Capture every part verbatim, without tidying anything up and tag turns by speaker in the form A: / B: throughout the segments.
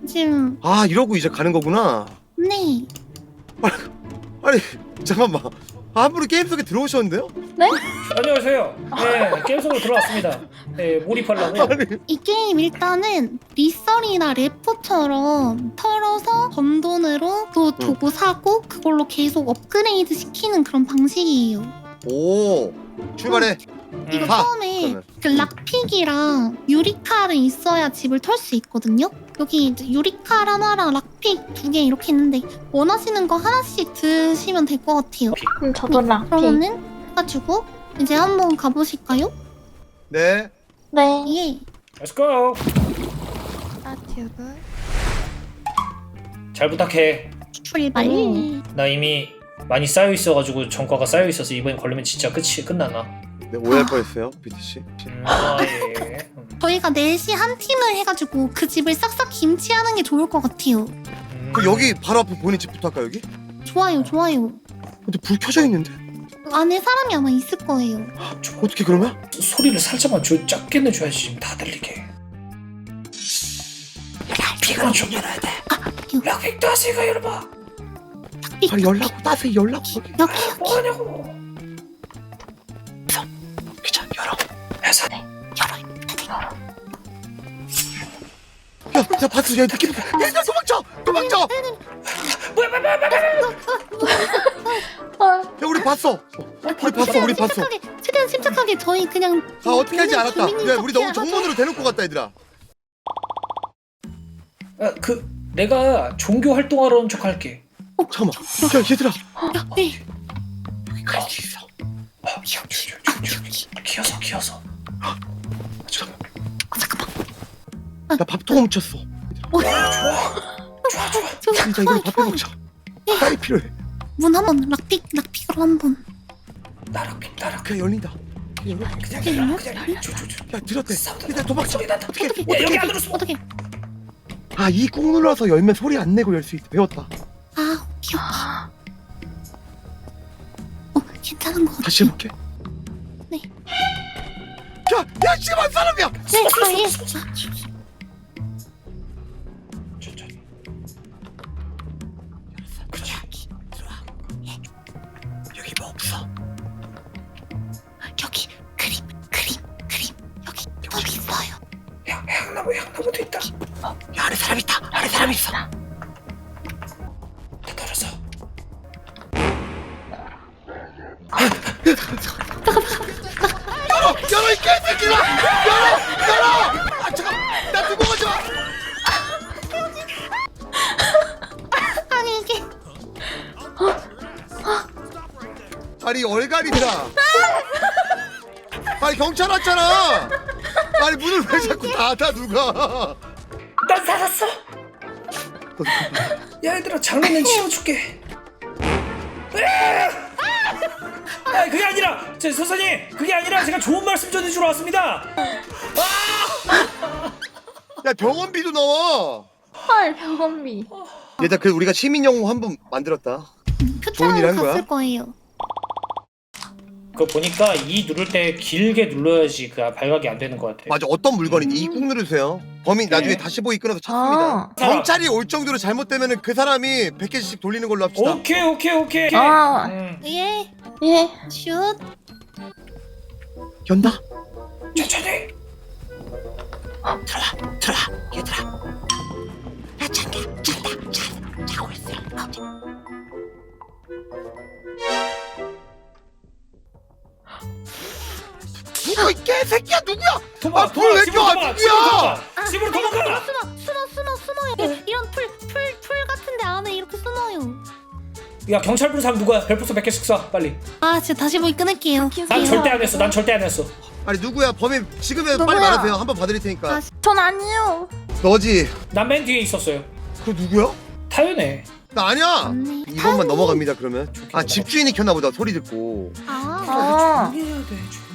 A: 지금
B: 아 이러고 이제 가는 거구나.
A: 네.
B: 아니 잠깐만. 아, 한 분이 게임 속에 들어오셨는데요?
C: 안녕하세요. 네, 게임 속으로 들어왔습니다. 네, 몰입하려고.
B: 아니
A: 이 게임 일단은 리썰이나 레포처럼 털어서 번 돈으로 또 도구 사고 그걸로 계속 업그레이드 시키는 그런 방식이에요.
B: 오 출발해.
A: 이거
B: 가,
A: 처음에
B: 그러면.
A: 그 락픽이랑 유리칼은 있어야 집을 털 수 있거든요. 여기 이제 유리칼 하나랑 락픽 두 개 이렇게 있는데 원하시는 거 하나씩 드시면 될 것 같아요.
D: 그럼 저도 락피.
A: 그러면은 해가지고 이제 한번 가보실까요?
B: 네.
D: 네.
A: 예.
C: Let's go.
D: 스타튜브.
C: 잘 부탁해.
A: 출발.
D: 음.
C: 나 이미 많이 쌓여 있어가지고 전과가 쌓여 있어서 이번에 걸리면 진짜 끝이 끝나나.
B: 네 오해할 뻔했어요 비티씨.
C: 음, 아 예. 음,
A: 저희가 넷이 한 팀을 해가지고 그 집을 싹싹 김치하는 게 좋을 것 같아요.
C: 음.
B: 그 여기 바로 앞에 본인 집부터 할까 여기?
A: 좋아요, 좋아요.
B: 근데 불 켜져 있는데?
A: 안에 사람이 아마 있을 거예요.
B: 어떻게 그러면?
C: 소리를 살짝만 줘, 작게 내줘야지 지금 다 들리게. 락픽은 좀 열어야 돼. 락픽 따스가 열어봐.
B: 아니 연락 따세요 연락.
A: 여기, 여기.
C: 뭐하냐고.
B: 귀찮 열어.
C: 회사.
B: 야, 야 봤어 야 느낌. 얘들아 도망쳐 도망쳐.
C: 뭐야 뭐야 뭐야 뭐야.
D: 헐.
B: 야 우리 봤어. 우리 봤어 우리 봤어.
A: 침착하게, 최대한 침착하게 저희 그냥.
B: 아 어떻게 할지 알았다.
A: 주민인
B: 야 우리 너무
A: 척해야
B: 정문으로 대놓고 갔다 얘들아.
C: 아, 그 내가 종교 활동하러 온 척 할게.
B: 잠깐만. 야 얘들아.
A: 야, 네.
B: 여기 갈수 있어.
C: 아, 기어서 기어서.
B: 잠깐만.
A: 어, 잠깐만.
B: 나 밥통 훔쳤어.
A: 어,
C: 좋아 좋아.
A: 저,
B: 진짜 이거 밥해 먹자. 빨리 필요해.
A: 문 한번 락픽, 락픽으로 한번.
C: 나락픽 나락.
B: 그냥 열린다. 그냥 열려.
C: 그냥
A: 그냥
C: 열어
A: 열려?
C: 그냥 줘줘줘.
B: 야 들었대.
C: 사운드
B: 얘들아 도망쳐.
C: 소리 난다.
B: 어떻게?
A: 어떻게?
C: 야, 여기 안으로 숨어.
A: 어떻게?
B: 아이 꾹 눌러서 열면 소리 안 내고 열 수 있다. 배웠다.
A: 아, 오케이, 오케이. 어, 괜찮은 것 같아.
B: 다시 해볼게.
A: 네.
B: 야, 야 지금 한 사람이야.
A: 네, 아, 예.
C: 천천히.
B: 그렇지. 들어와. 여기 뭐 없어.
A: 여기 그림, 그림, 그림. 여기 뭐 있어요.
C: 야 향나무 향나무도 있다.
B: 야 안에 사람 있다. 안에 사람 있어.
C: 다 털었어.
B: 열어, 열어 이 개새끼들아. 열어, 열어. 아 잠깐, 나 두고 가지 마.
A: 아니 이게
B: 아니 얼갈이들아. 아니 경찰 왔잖아. 아니 문을 왜 자꾸 닫아 누가?
C: 난 살았어. 야 얘들아 장난은 치워줄게. 으아! 아 그게 아니라 제 선생님 그게 아니라 제가 좋은 말씀 전해주러 왔습니다.
B: 야 병원비도 나와.
D: 헐, 병원비.
B: 얘들아 그 우리가 시민 영웅 한 분 만들었다. 좋은 일
A: 표창
B: 한 거야?
A: 갔을 거예요.
C: 그거 보니까 이 누를 때 길게 눌러야지 그 발각이 안 되는 것 같아.
B: 맞아 어떤 물건인지 이 꾹 누르세요. 범인 나중에
C: 네.
B: 다시 보기 끊어서 찾습니다.
D: 아.
B: 경찰이 올 정도로 잘못되면은 그 사람이 백 개씩 돌리는 걸로 합시다.
C: 오케이 오케이 오케이.
D: 아.
C: 음,
A: 예,
D: 예.
A: 슛.
B: 연다.
C: 천천히.
B: 들어와 들어와 얘들아. 야 잔다 잔다 잔 자고 있어. 누구 이 개새끼야 누구야?
C: 도망가.
B: 아, 불왜
C: 집으로
B: 껴?
C: 도망가,
B: 누구야?
C: 집으로 도망가. 집으로 도망가.
A: 숨어, 숨어, 숨어, 숨어요. 예, 이런 풀, 풀, 풀 같은데 안에 이렇게 숨어요.
C: 야 경찰 부른 사람 누구야? 벨포스 백 개씩 쏴 빨리.
A: 아, 진짜 다시 보기 끊을게요.
C: 난 절대 안 했어. 난 절대 안 했어.
B: 아니 누구야 범인 지금이라도 빨리
D: 누구야?
B: 말하세요. 한번 봐드릴 테니까.
A: 아,
D: 전 아니에요.
B: 너지?
C: 난 맨 뒤에 있었어요.
B: 그 누구야?
C: 타연해.
B: 나 아니야.
A: 맞네.
B: 이번만 넘어갑니다 그러면. 아
C: 넘어가.
B: 집주인이 켰나 보다 소리 듣고.
A: 아,
D: 아.
C: 조용히 해야 돼. 조용히.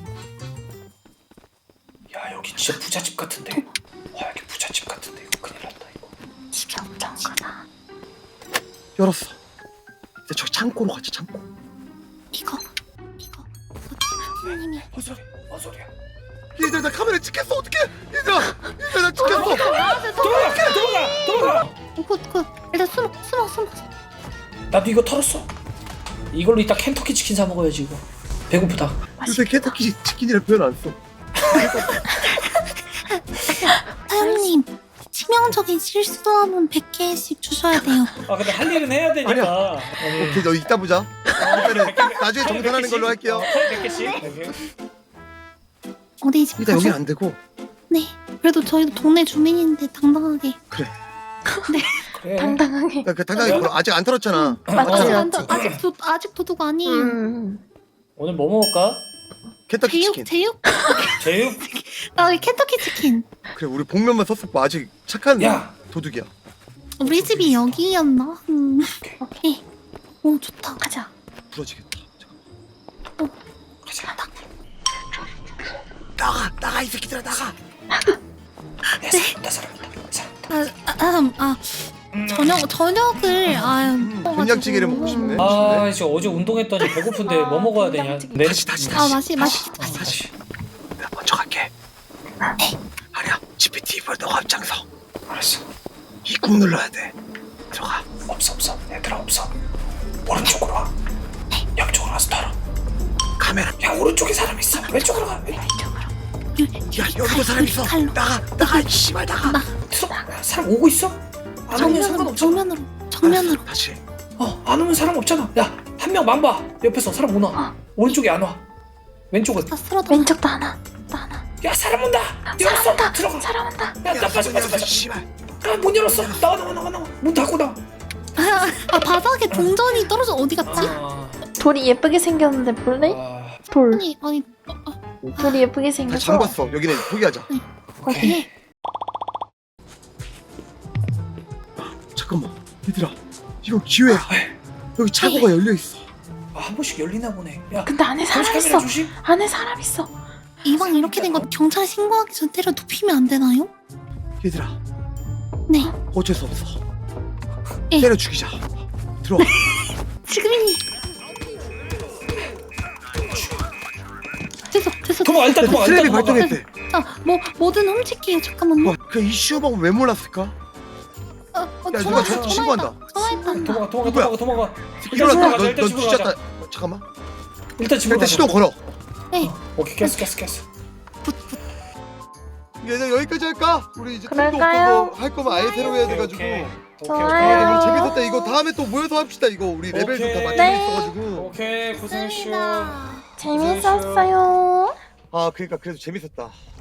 C: 야 여기 진짜 부잣집 같은데. 와 여기 부잣집 같은데 이거 큰일 났다 이거.
D: 집이 엄청 크다.
B: 열었어. 이제 저기 창고로 가자 창고.
A: 이거, 이거. 선생님이.
C: 뭔 소리? 뭔 소리야?
B: 얘들아 나 카메라 찍혔어 어떡해. 얘들아 얘들아 나 찍혔어.
C: 도망가! 도망가! 도망가!
A: 굿굿. 일단 숨어 숨어 숨어.
C: 나도 이거 털었어. 이걸로 이따 켄터키 치킨 사 먹어야지 이거. 배고프다.
B: 요새 켄터키 치킨이라 표현 안 써.
A: 사장님 치명적인 실수하면 백 개씩 주셔야 돼요.
C: 아 근데 할 일은 해야 되니까. 아니,
B: 오케이 너 이따 보자. 일단은 나중에 정산하는 걸로 할게요.
C: 백 개씩. 오케이.
A: 어디 집
B: 일단
A: 가죠?
B: 여긴 안 되고.
A: 네. 그래도 저희도 동네 주민인데 당당하게.
B: 그래.
C: 그래.
D: 당당하게.
B: 나 그 당당히 걸어. 아직 안 털었잖아.
D: 맞지,
A: 아직
D: 맞지.
A: 안 더- 아직 도 아직 도둑 아니에요.
D: 음.
C: 오늘 뭐 먹을까?
B: 켄터키
A: 제육
B: 치킨.
A: 제육?
C: 제육?
A: 아 켄터키 치킨.
B: 그래 우리 복면만 썼을 거 아직 착한
C: 야.
B: 도둑이야.
A: 우리 집이 여기였나? 음. 오케이. 오 좋다.
D: 가자.
B: 부러지겠다.
C: 가자.
B: 나가 나가 이 새끼들아 나가.
C: 야, 사람다 사람다 사람다.
A: 아, 아, 음, 아 저녁 저녁을 아
B: 음, 된장찌개를 먹고 싶네.
C: 아 이제 어제 운동했더니 배고픈데 뭐 먹어야 되냐?
D: 된장찌개.
C: 내
B: 다시 다시
A: 아
B: 다시.
A: 맛이 맛이
C: 아, 다시.
B: 내가 먼저 갈게. 아니야. 지피티 이번에 너가 앞장서.
C: 알았어.
B: 이 꾹 눌러야 돼. 들어가.
C: 없어 없어. 얘들아 없어. 오른쪽으로 와. 옆쪽으로 와서 털어.
B: 카메라.
C: 야 오른쪽에 사람 있어. 왼쪽으로 가.
B: 야 여기도 사람 있어.
A: 칼로.
B: 나가 나가 이 씨발 나가.
A: 나
C: 들어가. 야, 사람 오고 있어? 안 오면
A: 정면으로
C: 상관없잖아.
A: 정면으로 정면으로.
B: 알았어, 다시.
C: 어안 오면 사람 없잖아. 야 한 명 망봐. 옆에서 사람 오나? 오른쪽에 안 와. 왼쪽은.
A: 다 쓸어도.
D: 왼쪽도 하나. 또 하나.
C: 야 사람 온다. 열었어.
D: 사람 온다.
C: 들어가.
D: 사람 온다.
C: 야나 빠져 빠져 빠져.
B: 씨발.
C: 야문 열었어. 나와 나와 나와 나와. 문 닫고 나와.
A: 아, 아 바닥에 동전이 떨어져 어디 갔지?
C: 아,
D: 돌이 예쁘게 생겼는데 볼래?
C: 아,
D: 돌.
A: 아니 아니
D: 돌이 예쁘게
B: 다
D: 생겼어.
B: 잠갔어. 여기는 포기하자.
A: 어디?
B: 잠깐만. 얘들아. 이거 기회야.
C: 왜?
B: 여기 차고가 열려 있어.
C: 아, 한 번씩 열리나 보네. 야
D: 근데 안에
C: 감시
D: 사람
C: 카메라
D: 있어.
C: 조심.
D: 안에 사람 있어.
A: 이왕 이렇게 된 거 경찰에 신고하기 전 때려 눕히면 안 되나요?
B: 얘들아.
A: 네.
B: 어쩔 수 없어.
A: 예.
B: 때려 죽이자. 들어와.
A: 지금이니. 됐어 됐어.
C: 도망 일단 도망
B: 트랩이
C: 일단 도망가.
B: 발동했대.
A: 자뭐 뭐든 훔칠게요. 잠깐만요.
B: 와, 그 이슈 방법 왜 몰랐을까?
A: 어, 어,
B: 야,
A: 전화
B: 누가 저- 신고한다.
A: 전화했다.
C: 도망가 도망가
B: 누구야?
C: 도망가 도망가.
B: 일어났다.
C: 집으로 가자,
B: 너,
C: 일단
B: 너
C: 집으로
B: 뒤졌다.
C: 가자.
B: 어, 잠깐만.
C: 일단 집으로
B: 일단
C: 가자.
B: 시동 걸어.
A: 네.
C: 오케이 깼어 깼어 깼어.
B: 얘들 여기까지 할까? 우리 이제 템도
D: 그럴까요?
B: 없고 할 거면 아예 새로 해야
C: 오케이,
B: 돼가지고.
C: 오케이. 오케이,
D: 좋아요.
B: 아, 이거
C: 오케이.
B: 재밌었다. 이거 다음에 또 모여서 합시다. 이거 우리 레벨 좀 다
C: 오케이.
B: 맞춰져
D: 네.
B: 있어가지고.
C: 오케이 고생했슈.
A: 감사합니다.
D: 재밌었어요.
B: 아 그러니까 그래도 재밌었다.